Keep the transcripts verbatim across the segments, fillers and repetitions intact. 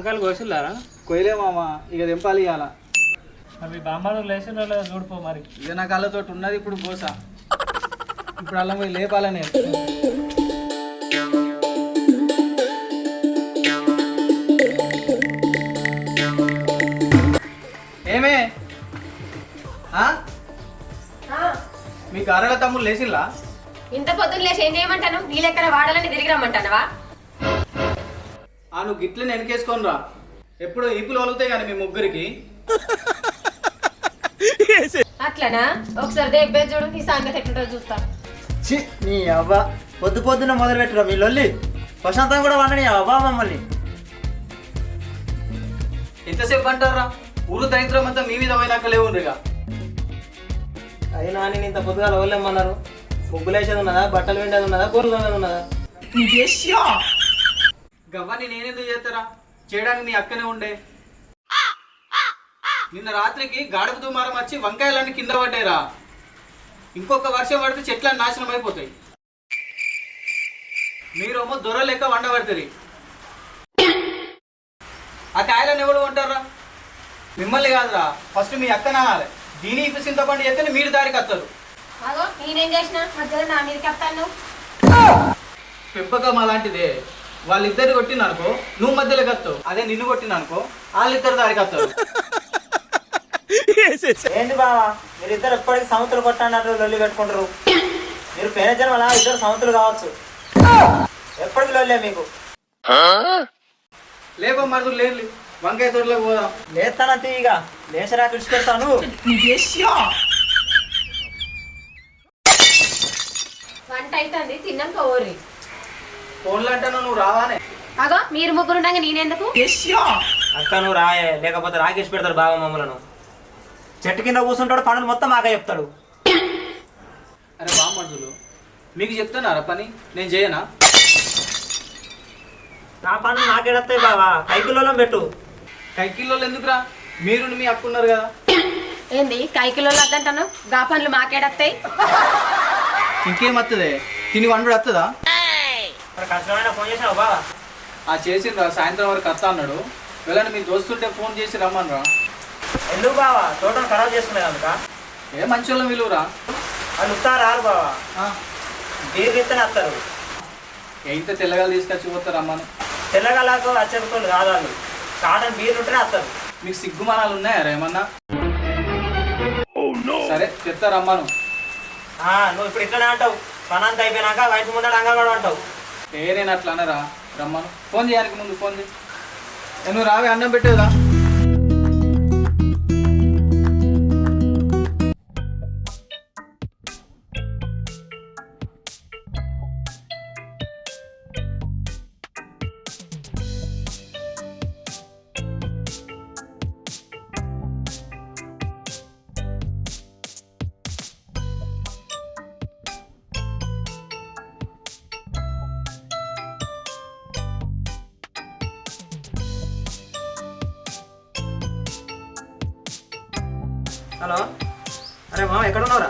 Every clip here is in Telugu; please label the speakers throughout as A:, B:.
A: వంకాయలు కోసిల్లారా?
B: కొయ్యలే మామ, ఇక తెంపాలి ఇవాళ.
A: అవి బామ్మలు లేచిన చూడిపో మరి.
B: ఇక నా కళ్ళతో ఉన్నది ఇప్పుడు కోస. ఇప్పుడు అల్లం పోయి లేపాలని. ఏమే మీ గారెల తమ్ముడు లేచిల్లా?
C: ఇంత పొద్దున్న లేచి ఏం చేయమంటాను? నీ లెక్కన వాడాలని తిరిగి రమ్మంటానవా?
B: ఆ నువ్వు గిట్లని వెనకేసుకొని రా. ఎప్పుడు ఈపులు వలుగుతాయి కానీ మీ ముగ్గురికి.
C: అట్లనా? ఒకసారి దేబ్బే చూడు, నీ సంగతి ఎట్లుంటో చూస్తా.
D: చి నీ అవ్వ పొద్దు పొద్దున్న మొదలు పెట్టురా మీ లొల్లి. ప్రశాంతం కూడా వండని అవ్వ మమ్మల్ని.
B: ఎంతసేపు అంటారా? ఊరు దరిద్రం అంతా మీ మీద పోయినాక లేవుండ్రిగా.
D: అయినా నేను ఇంత పొద్దుగా లోలేమన్నారు. ముగ్గులు వేసేది ఉన్నదా, బట్టలు వెండేది ఉన్నదా, కూరలు ఉన్నదా?
B: గవ్వని నేనెందుకు చేస్తారా? చేయడానికి మీ అక్కనే ఉండే. నిన్న రాత్రికి గాడుపు దుమారం వచ్చి వంకాయలన్నీ కింద పడ్డాయిరా. ఇంకొక వర్షం పడితే చెట్లన్నీ నాశనం అయిపోతాయి. మీరేమో దొర లెక్క వండబడతారు. ఆ కాయలను ఎవరు కొంటారా? మిమ్మల్ని కాదురా, ఫస్ట్ మీ అక్క నానాలి. దీని ఇప్పుడు చింతపండు చేస్తే మీరు దారికి వస్తారు.
C: అగో నేనేం చేసిన మధ్యలో నా మీదకి వస్తాను.
B: పెంపకం అలాంటిదే. వాళ్ళిద్దరు కొట్టిన అనుకో నువ్వు మధ్యలోకి వస్తావు. అదే నిన్ను కొట్టిన అనుకో వాళ్ళిద్దరు దారికి వస్తారు.
D: ఏంటి బావా మీరిద్దరు ఎప్పటికీ సముద్రులు కొట్టాడు లొల్లి పెట్టుకుంటారు. మీరు పేద జన్మలా ఇద్దరు సముద్రులు కావచ్చు. ఎప్పటికి లొల్లే మీకు.
B: లేపో మరుదులు లేదు, వంకాయ తోటలో పోదాం.
D: లేస్తానా తీయగా లేచరా విడిచిపెడతాను.
C: వంట అవుతుంది, తిన్నాక ఓర్రి.
B: ఫోన్లు అంటాను నువ్వు రావానే.
C: అగో మీరు ముగ్గురు ఉండగా నేనెందుకు?
D: అక్క నువ్వు రాయే, లేకపోతే రాకేసి పెడతాడు బావ మమ్మలను. చెట్టు కింద కూర్చుంటాడు, పనులు మొత్తం మాకే చెప్తాడు.
B: అరే బా మరుదులు, మీకు చెప్తున్నారా పని? నేను చేయనా?
D: నా పనులు నాకేడతాయి బావా, కైకిల్లో పెట్టు.
B: కైకిల్లో ఎందుకురా? మీరు మీ అక్క ఉన్నారు కదా.
C: ఏంది కైకిలో వద్దంటాను? గా పనులు మాకేడత్తాయి.
B: ఇంకేం వస్తుంది? తిని వండు వస్తుందా?
D: కష్టమైన ఫోన్ చేసావు బావా?
B: ఆ చేసిండ్రా, సాయంత్రం వరకు వస్తా అన్నాడు. వెళ్ళండి, మీ దోస్తుంటే ఫోన్ చేసి రమ్మనరా.
D: ఎందుకు బావా? తోటను ఖరాబ్ చేసుకునే కనుక.
B: ఏ మంచి వాళ్ళం విలువరా.
D: వాళ్ళు వస్తా రారు బావా, బీరు ఎత్తనే వస్తారు.
B: ఎంత తెల్లగాలు తీసుకొచ్చి పోతారు రమ్మను.
D: తెల్లగలకు వచ్చేటోళ్ళు కాదు వాళ్ళు, కాటన్ బీరు ఉంటేనే వస్తారు.
B: మీకు సిగ్గుమానాలు ఉన్నాయారా ఏమన్నా? సరే చెప్తా రమ్మను.
D: నువ్వు ఇప్పుడు ఇట్లనే అంటావు, పనంతా అయిపోయినాక వయసు ముందర అంగన్వాడు అంటావు.
B: ఏ నేను అట్లా అనరా, రమ్మను. ఫోన్ చేయడానికి ముందు ఫోన్ చేయి. నువ్వు రావే, అన్నం పెట్టేదా?
D: హలో, అరే మామ ఎక్కడ ఉన్నావురా?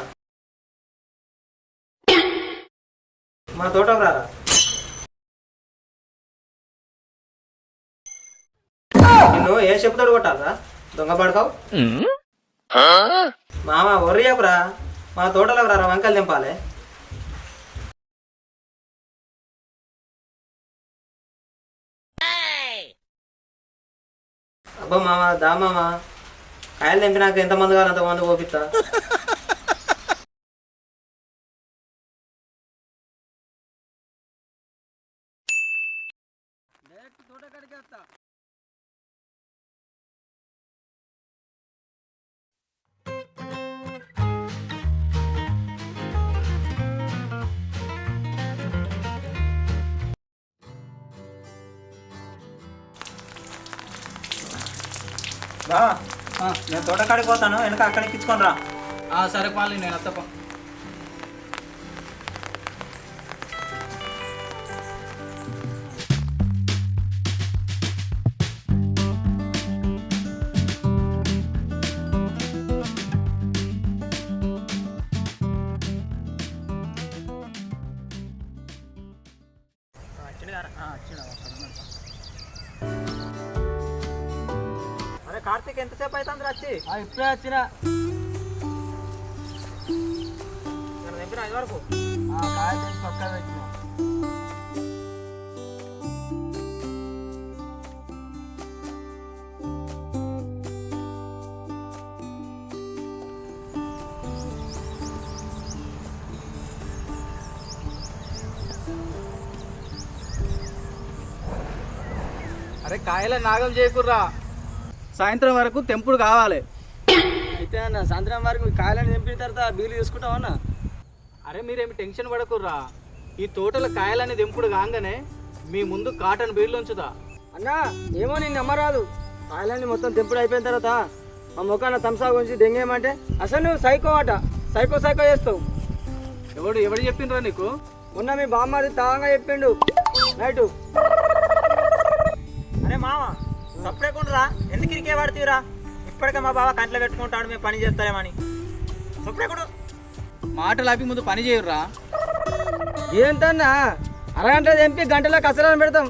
D: మా తోటకు రారా. నిన్ను ఏ చెప్తాడు కొట్టాలరా, దొంగ పడకావు. మామ ఒర్రి చెప్పురా, మా తోటలోకి రారా, వంకాయలు దింపాలి. అబ్బా మామ దా మామ, కాయలు తెంపినాక ఎంతమంది కాదు అంతమంది పోపిస్తా. బా నేను తోటకాడికి పోతాను, వెనక అక్కడ ఎక్కించుకొని రా.
B: సరే పాలి, నేను అత్తప్ప.
D: వచ్చింది కార్తీక్ ఎంతసేపు అవుతుంది వచ్చి
B: ఇప్పుడే వచ్చిన
D: తెంపిన ఐదు వరకు
B: కాయ చేసి పక్కన పెట్టిన అరే కాయల నాగం చేయకుర్రా, సాయంత్రం వరకు తెంపుడు కావాలి. అయితే అన్న సాయంత్రం వరకు కాయలను తెంపిన తర్వాత బీలు తీసుకుంటామన్నా. అరే మీరేమి టెన్షన్ పడకుర్రా, ఈ తోటల కాయలని తెంపుడు కాగానే మీ ముందు కాటన్ బీళ్ళు ఉంచుతా. అన్నా ఏమో నేను నమ్మరాదు, కాయలన్నీ మొత్తం తెంపుడు అయిపోయిన తర్వాత మా ముఖాన తమ్సా గురించి దెంగేయమంటే అసలు నువ్వు సైకో అట, సైకో సైకో చేస్తావు. ఎవడు ఎవడు చెప్పిండ్రా నీకు? మొన్న మీ బామ్మది తాగా చెప్పిండు నైటు.
D: అరే మామ సప్పుడేకుంటురా, ఎందుకు ఇరికే పడుతురా? ఇప్పటికే మా బావ కంట్లో పెట్టుకుంటాడు మేము పని చేస్తారేమని. సప్పుడేకుడు
B: మాటలు ఆపి ముందు పని చేయుర్రా. ఏంటన్నా అరగంట తెంపి గంటలో కసరాన్ని పెడతాం.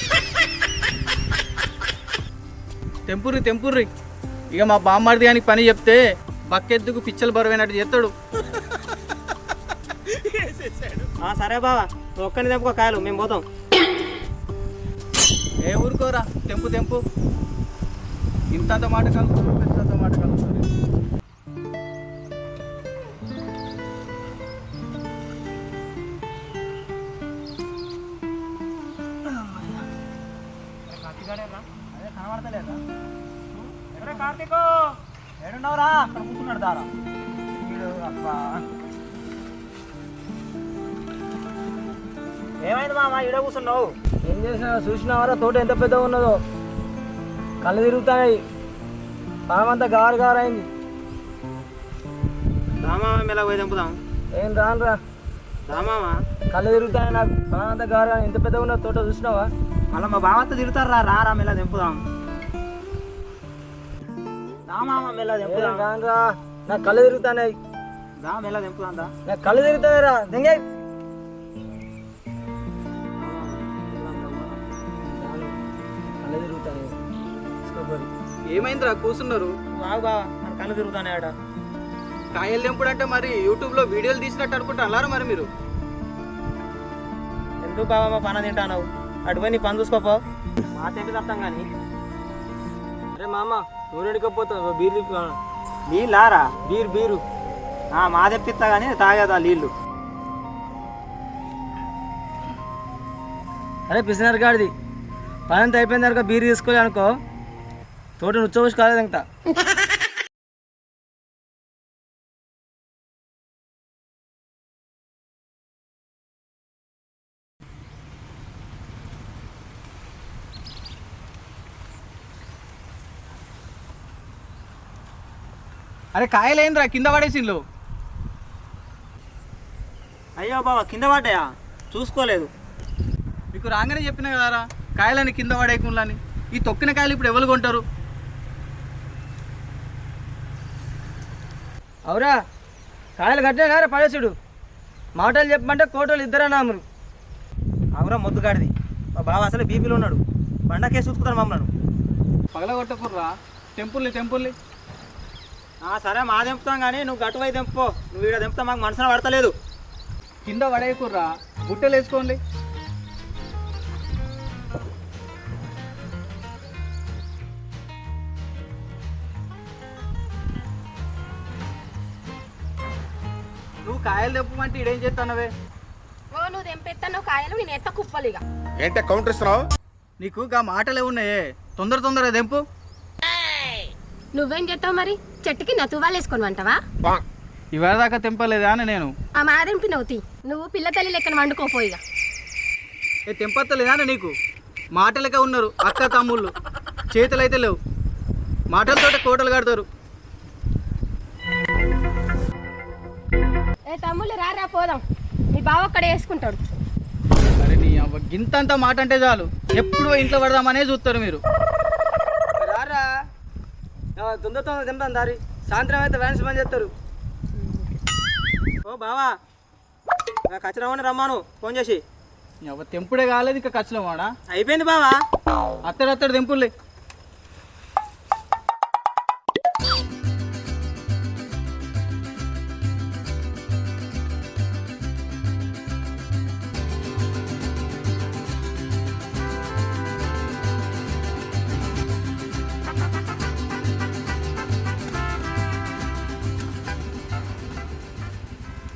B: తెంపుర్రి తెంపుర్రి, ఇక మా బామ్మర్ది గానికి పని చెప్తే బక్కెద్దుకు పిచ్చలు బరువైనట్టు చేస్తాడు.
D: సరే బావ, నువ్వు ఒక్కని తెంపుకో కాయలు, మేము పోతాం.
B: ఏ ఊరుకోరా, తెంపు తెంపు. ఇంతంత మాట కలుగుతారు, పెద్దంత మాట కలుగుతారు.
D: అదే కనబడతలేదా? ఎక్కడ కార్తీకు ఏడున్నావురా? అక్కడ కూర్చున్నాడు దారా. అబ్బా ఏమైంది మామ ఈడ కూర్చున్నావు?
B: ఏం చేసినా చూసినావారా తోట ఎంత పెద్దగా ఉన్నదో? కళ్ళు తిరుగుతాయి, పామంతా గారు గారు అయింది.
D: రామామ మెల్ల పోయి తెంపుదాం.
B: ఏం రానురా,
D: రామామ
B: కళ్ళు తిరుగుతాయి నాకు, పామంతా గారు ఎంత పెద్దగా ఉన్నదో తోట చూసినావా?
D: మళ్ళీ మా బావతో తిరుగుతారా? రా రా మెల్ల తెంపుదాం. రామామ మెల్ల తెంపుదాం.
B: రానురా, నాకు కళ్ళు తిరుగుతాయి.
D: రా మెల్ల తెంపుదాం రా.
B: నాకు కళ్ళు తిరుగుతాయిరా దెంగే. కళ్ళు తిరుగుతాయి. ఏమైందిరా కూర్చున్నారు?
D: బాగు బావా కళ్ళు తిరుగుతానే.
B: కాయలు తెంపుడు అంటే మరి యూట్యూబ్లో వీడియోలు తీసినట్టు అనుకుంటా అన్నారా మరి మీరు?
D: ఎందుకు బావా మా పన తింటావు? అటుపోయి నీ పని చూసుకోపో, మా తెంపి తప్తాం కానీ.
B: అరే మామ నువ్వు ఎడుకపోతావు, బీరు తిప్పి.
D: నీళ్ళారా?
B: బీరు బీరు
D: మా తెప్పిస్తా కానీ తాగేదా నీళ్ళు?
B: అరే పిసినారు గాడిది, పని అంతా అయిపోయిన తర్వాత బీరు తీసుకోలే అనుకో, తోట నుచ్చబోసి కాలేదు ఇంకా. అరే కాయలేంద్రా కింద పడేసిండ్లు?
D: అయ్యో బాబా కింద పడ్డాయా? చూసుకోలేదు.
B: మీకు రాగానే చెప్పిన కదరా కాయలని కింద పడేయకుండా. ఈ తొక్కిన కాయలు ఇప్పుడు ఎవరు కొంటారు? అవురా, కాయలు కట్టినా పడేసుడు. మాటలు చెప్పమంటే కోటలు ఇద్దరు నాములు.
D: అవురా మొద్దుగాడిది, మా బావ అసలు బీపీలో ఉన్నాడు, బండకే చూసుకుతాడు మమ్మల్ని.
B: పగల కొట్టకుర్రా, టెంపుల్ని టెంపుల్ని.
D: సరే మా తెంపుతాం కానీ నువ్వు గట్టువై తెంపుకో. నువ్వు ఇక్కడ తెంపుతా మాకు మనసున పడతలేదు.
B: కింద పడేయకుర్రా, బుట్టలు వేసుకోండి. నువ్వు కాయలు తెప్పమంటే ఇడేం చేస్తానవే?
C: ఓ నువ్వు తెంపెత్తాను కాయలు, నేను ఎత్త కుప్పలిగా.
E: ఏంటే కౌంటర్ ఇస్తున్నావు?
B: నీకు గా మాటలే ఉన్నాయే, తొందర తొందరగా తెంపు.
C: నువ్వేం చేస్తావు మరి? చెట్టుకి నా తువ్వాలు వేసుకొని వంటవా?
B: ఇవాళ దాకా తెంపలేదా అని నేను.
C: ఆ మా తెంపినవుతి, నువ్వు పిల్ల తల్లి లెక్కన వండుకోపోయిగా.
B: ఏ తెంపత్తలేదా అని నీకు? మాటలకే ఉన్నారు అక్క తమ్ముళ్ళు, చేతులు అయితే లేవు. మాటలతోటే కోటలు కడతారు.
C: ఏ తమ్ముళ్ళు రా రా పోదాం, మీ బావ అక్కడ వేసుకుంటాడు.
B: అరే నీ అవ్వ గింతంత మాట అంటే చాలు, ఎప్పుడు ఇంట్లో పడదామనే చూస్తారు మీరు. రారా తొందర తొందర తెంపాను దారి, సాయంత్రం అయితే వ్యాన్స్ పని చేస్తారు.
D: ఓ బావా ఖచ్చితంగా రమ్మాను ఫోన్ చేసి.
B: అవ్వ తెంపుడే కాలేదు ఇంకా ఖచ్చితంగా వాడా?
D: అయిపోయింది బావా.
B: అత్తడు అత్తడు తెంపులే.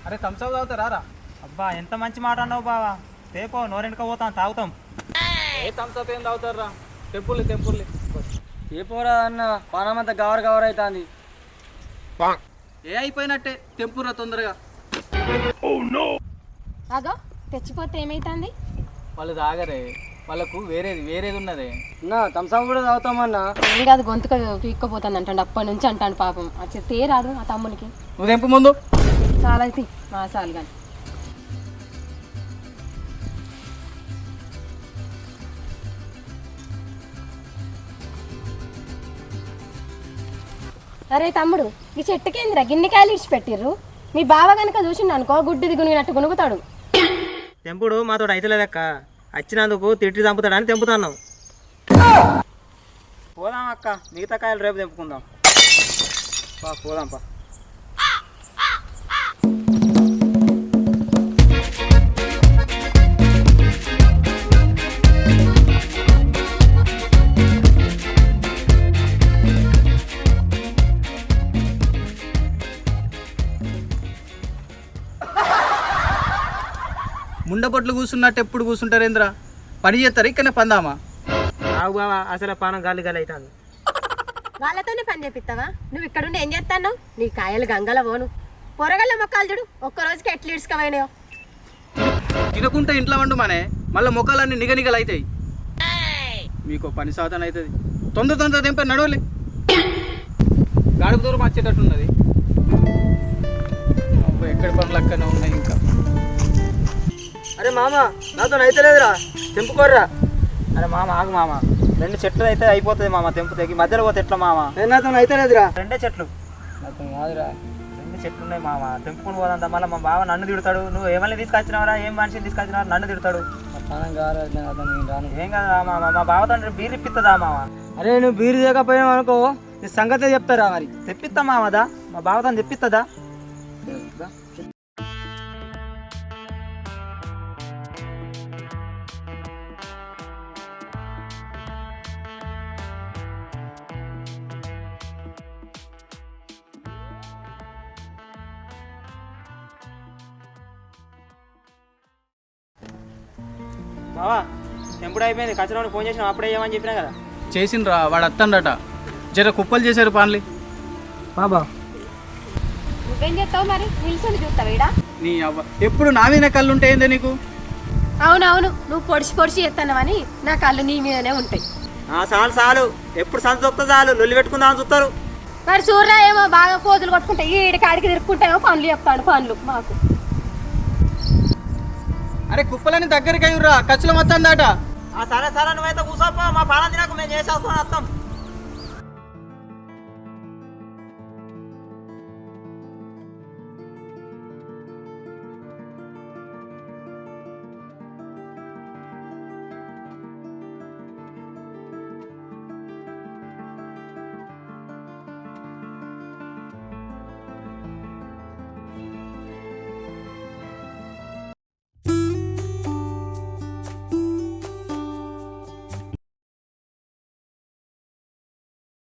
B: అరే థమ్స్అప్ తాగుతారా రా?
D: అబ్బా ఎంత మంచి మాట అన్నావు బావా. రేపో నోరెండుక పోతాం తాగుతాం.
B: ఏ థమ్స్అప్ ఏం తాగుతారా? టెంపుల్ టెంపుల్
E: ఏ పోరా అన్న పానమంతా గవర్ గవర్ అవుతుంది.
B: ఏ అయిపోయినట్టే తెంపురా తొందరగా.
C: అగో తెచ్చిపోతే ఏమైతుంది?
B: వాళ్ళు తాగరే, వాళ్ళకు వేరేది వేరేది ఉన్నదే.
E: అన్న థమ్స్అప్ కూడా తాగుతామన్నా.
C: ఏం కాదు గొంతుక పీక్కపోతుంది అంటాడు అప్పటి నుంచి అంటాను పాపం. వచ్చి తేరాదు ఆ తమ్మునికి.
B: నువ్వు తెంపు ముందు.
C: చాలా అయితే మా చాలు కానీ. అరే తమ్ముడు ఈ చెట్టుకేంద్రా గిన్నెకాయలు ఇడిచిపెట్టిర్రు. మీ బావ కనుక చూసిండు అనుకో గుడ్డిది గునిగినట్టు గునుగుతాడు.
D: తెంపుడు మాతో అయితలేదక్క. వచ్చినందుకు తిట్టి చంపుతాడని తెంపుతున్నాం. పోదాం అక్క, మిగతా కాయలు రేపు తెంపుకుందాం. పా పోదాం పా.
B: ముండపొట్లు కూర్చున్నట్టు ఎప్పుడు కూర్చుంటారేంద్రా? పని చేస్తారు ఇక్కడనే పందామా?
D: ఆగు బావా, అసలు పానం గాలి గాలి అవుతుంది.
C: వాళ్ళతోనే పని చేపిస్తావా? నువ్వు ఇక్కడుండి ఏం చేస్తాను? నీ కాయలు గంగల పోను. పొరగల్ల మొక్కలు చూడు ఒక్క రోజుకి ఎట్లు ఇడ్చుకపోయినాయో.
B: తినకుంటే ఇంట్లో వండు మనే, మళ్ళీ మొక్కలన్నీ నిగనిగలు అవుతాయి. మీకు పని సాధన అవుతుంది. తొందర తొందర తెంప నడవలే. గాడుపు దూరం వచ్చేటట్టున్నది. అబ్బో ఎక్కడి పనులు అక్కడనే ఉన్నాయి ఇంకా.
E: అరే మామ నాతో అయితే లేదురా, తెంపుకోర్రా.
D: అరే మామ ఆగు మామ, రెండు చెట్లు అయితే అయిపోతుంది మామ. తెంపు తెగి మధ్యలో పోతే ఎట్లా మామ?
E: నేను నాతో అయితే లేదురా.
D: రెండే చెట్లు
E: నాతో కాదురా.
D: రెండు చెట్లు ఉన్నాయి మామ. తెంపుకుని పోదంతా మళ్ళీ మా బావ నన్ను తిడతాడు. నువ్వు ఏమన్నా తీసుకొచ్చినావరా, ఏం మనిషిని తీసుకొచ్చినావరా నన్ను తిడతాడు.
E: పానం కాదు నాతో నేను రాను.
D: ఏం కదా మామ, మా బావతో బీర్ ఇప్పిస్తుందా మామ?
E: అరే నువ్వు బీరు చేయకపోయావు అనుకో నీ సంగతే చెప్తారా మరి.
D: తెప్పిస్తా మామదా, మా బావతో తెప్పిస్తుందా? బావా తెంపుడు అయిపోయింది. కచరానికి ఫోన్ చేసినా అప్పుడే ఏమని చెప్పినా కదా.
B: చేసిండ్రా, వాడు అత్తండట. జర కుప్పలు చేశారు పాన్లి.
E: బాబా
C: నువ్వేం చేస్తావు మరి? నిల్చొని చూస్తావు ఈడ?
B: నీ అవ్వ ఎప్పుడు నా మీద కళ్ళు ఉంటాయిందే నీకు?
C: అవునవును, నువ్వు పొడిచి పొడిచి చేస్తానవని నా కళ్ళు నీ మీదనే ఉంటాయి.
D: చాలు చాలు, ఎప్పుడు సంత దొక్కుతా చాలు, లొల్లి పెట్టుకుందామని చూస్తారు.
C: మరి సూర్య ఏమో బాగా పోతులు కొట్టుకుంటాయి, ఈడి కాడికి తిరుక్కుంటాయేమో పనులు చెప్తాడు. పనులు మాకు
B: అరే కుప్పలని దగ్గరికి అయ్యుర్రా, ఖర్చులు మొత్తం దాట.
D: సరే సరే నువ్వైతే కూర్చోపో, మా పాలన తినకు మేము చేసేసుకొని వస్తాం.